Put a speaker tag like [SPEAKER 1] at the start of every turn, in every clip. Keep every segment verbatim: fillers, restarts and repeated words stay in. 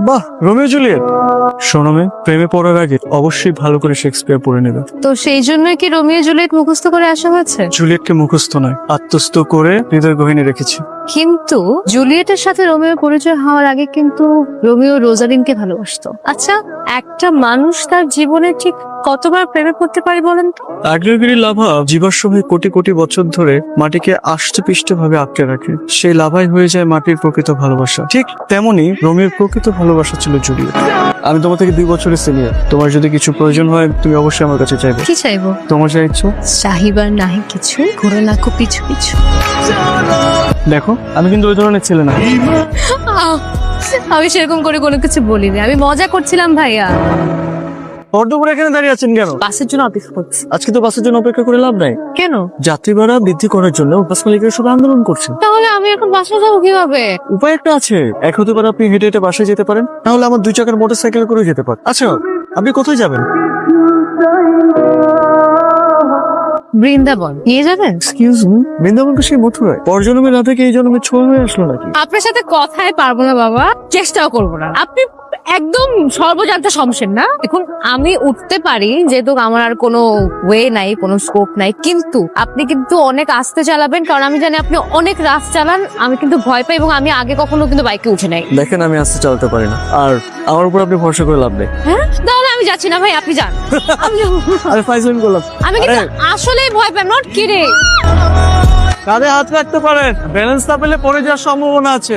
[SPEAKER 1] বাহ, Romeo Juliet. শোনো মেয়ে, প্রেমে পড়ার আগে অবশ্যই ভালো করে শেক্সপিয়ার পড়ে নেবে।
[SPEAKER 2] তো সেই জন্যই কি রোমিও জুলিয়েট মুখস্থ করে আসা হয়েছে?
[SPEAKER 1] জুলিয়েটকে মুখস্থ নয়, আত্মস্থ করে হৃদয় গহীনে রেখেছি।
[SPEAKER 2] কিন্তু জুলিয়েটের সাথে রোমিও পরিচয় হওয়ার আগে কিন্তু রোমিও রোজালিনকে ভালোবাসতো। আচ্ছা, একটা মানুষ তার জীবনে ঠিক কতবার প্রেমে পড়তে পারে বলেন তো?
[SPEAKER 1] আগ্নেয়গিরি লাভা জীবাশ্ম হয়ে কোটি কোটি বছর ধরে মাটিকে আষ্টপিষ্ট ভাবে আটকে রাখে। সেই লাভাই হয়ে যায় মাটির প্রকৃত ভালোবাসা। ঠিক তেমনি রোমিওর প্রকৃত ভালোবাসা ছিল জুলিয়েট। আমি তোমার থেকে দুই বছরের সিনিয়র। তোমার যদি কিছু প্রয়োজন হয় তুমি অবশ্যই আমার কাছে চাইবে।
[SPEAKER 2] কি চাইবো?
[SPEAKER 1] তোমার যা ইচ্ছা।
[SPEAKER 2] চাহিবার নাহি কিছু, ঘুরে লাখো পিছু পিছু।
[SPEAKER 1] দেখো, আমি কিন্তু ওই ধরনের ছেলে না।
[SPEAKER 2] আহ, আমি সেরকম করে কোনো কিছু বলিনি, আমি মজা করছিলাম ভাইয়া।
[SPEAKER 1] অর্ধপুর এখানে দাঁড়িয়ে আছেন কেন?
[SPEAKER 2] বাসের জন্য অপেক্ষা করছি।
[SPEAKER 1] আজকে তো বাসের জন্য অপেক্ষা করে লাভ নাই।
[SPEAKER 2] কেন?
[SPEAKER 1] যাত্রী ভাড়া বৃদ্ধি করার জন্য বাস মালিকেরা সব আন্দোলন করছে।
[SPEAKER 2] তাহলে আমি এখন বাসায় যাবো কিভাবে?
[SPEAKER 1] উপায় একটা আছে। এক হতে পারে আপনি হেঁটে হেঁটে বাসায় যেতে পারেন, তাহলে আমার দুই চাকার মোটর সাইকেল করে যেতে পারেন। আচ্ছা, আপনি কোথায় যাবেন?
[SPEAKER 2] বৃন্দাবন নিয়ে যাবেন?
[SPEAKER 1] এক্সকিউজ মি, বৃন্দাবনকে সেই মথুরায় পরজন্মে না থেকে এই জন্মে ছোঁয়া হয়ে আসলো নাকি?
[SPEAKER 2] আপনার সাথে কথায় পারবো না বাবা, চেষ্টাও করবো না। আপনি একদম সর্বজান্তা সমস্যা না। এখন আমি উঠতে পারি যেহেতু আমার আর কোনো ওয়ে নাই, কোনো স্কোপ নাই, কিন্তু আপনি কিন্তু অনেক আস্তে চালাবেন, কারণ আমি জানি আপনি অনেক রাস চালান। আমি কিন্তু ভয় পাই এবং আমি আগে কখনো কিন্তু বাইকে উঠে নাই।
[SPEAKER 1] দেখেন, আমি আস্তে চালাতে পারি না, আর আমার উপর আপনি ভরসা করে লাভ নেই।
[SPEAKER 2] হ্যাঁ, তাহলে আমি যাচ্ছি না ভাই, আপনি যান। আমি যাবো।
[SPEAKER 1] আরে ফাইজলামি করলাম।
[SPEAKER 2] আমি কিন্তু আসলেই ভয় পাই, নট কিরে।
[SPEAKER 1] কাঁধে হাত রাখতে পারেন, ব্যালেন্স না পেলে পড়ে যাওয়ার সম্ভাবনা আছে।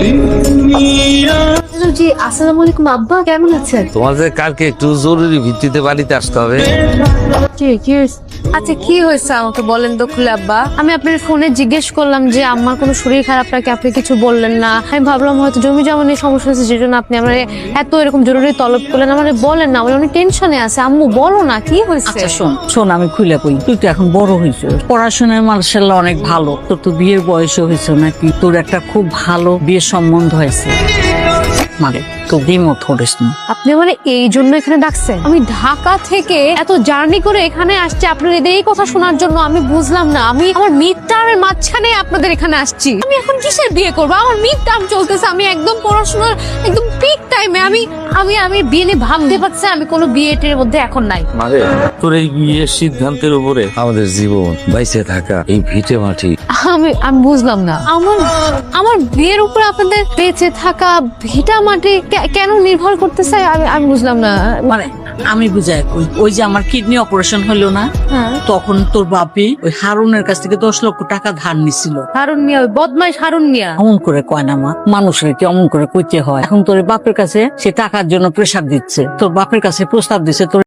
[SPEAKER 2] জি, আসসালামু আলাইকুম আব্বা, কেমন আছেন?
[SPEAKER 3] তোমাদের কালকে একটু জরুরি ভিত্তিতে বাড়িতে আসতে হবে।
[SPEAKER 2] কি কি হয়েছে? আচ্ছা, কি হয়েছে আমাকে বলেন তো খুলে আব্বা। আমি আপনার ফোনে জিজ্ঞেস করলাম যে আমার কোনো শরীর খারাপ নাকি, আপনি কিছু বললেন না। আমি ভাবলাম হয়তো জমি জমা নিয়ে সমস্যা হয়েছে, যেজন্য আপনি আমার এত এরকম জরুরি তলব করলেন। আমার বলেন না, আমার অনেক টেনশনে আছে। আম্মু বলো না, কি হয়েছে?
[SPEAKER 4] আচ্ছা শোন শোন আমি খুলে কই, তুই তো এখন বড় হয়েছ, পড়াশোনায় মার্শাল্লাহ অনেক ভালো, তোর তো বিয়ের বয়সও হয়েছে নাকি, তোর একটা খুব ভালো বিয়ের সম্বন্ধ হয়েছে, মানে তো দ্বিমত করিস না।
[SPEAKER 2] আপনি মানে এই জন্য এখানে ডাকছেন? আমি ঢাকা থেকে এত জার্নি করে এখানে আসছি আপনার এই কথা শোনার জন্য। আমি বুঝলাম না, আমি আমার মিড টার্মের মাঝখানে আপনাদের এখানে আসছি। আমি এখন কিসের বিয়ে করবো? আমার মিড টার্ম চলতেছে, আমি একদম পড়াশোনার একদম পিক টাইমে। আমি আমি আমি বিয়ে নিয়ে ভাবতে পারছি, আমি কোনো বিয়েটের মধ্যে এখন নাই।
[SPEAKER 3] মানে তোর এই বিয়ের সিদ্ধান্তের উপরে আমাদের জীবন বাইসে থাকা এই ভিটে মাটি।
[SPEAKER 2] আমি আমি বুঝলাম না, আমার আমার বিয়ের উপরে আপনাদের বেঁচে থাকা ভিটা মাটি কে- কেন নির্ভর করতেছে? আমি আমি বুঝলাম না।
[SPEAKER 4] মানে আমি বুঝাই কই, ওই যে আমার কিডনি অপারেশন হলো না,
[SPEAKER 2] হ্যাঁ,
[SPEAKER 4] তখন তোর বাপি ওই হারুনের কাছ থেকে দশ লক্ষ টাকা ধার নিছিল।
[SPEAKER 2] হারুন মিয়া, ওই বদমাইশ হারুন মিয়া।
[SPEAKER 4] অমন করে কয় না মা, মানুষের কি অমন করে কইতে হয়? এখন তোর বাপের কাছে সে টাকার জন্য প্রেসার দিচ্ছে, তোর বাপের কাছে প্রস্তাব দিচ্ছে তোর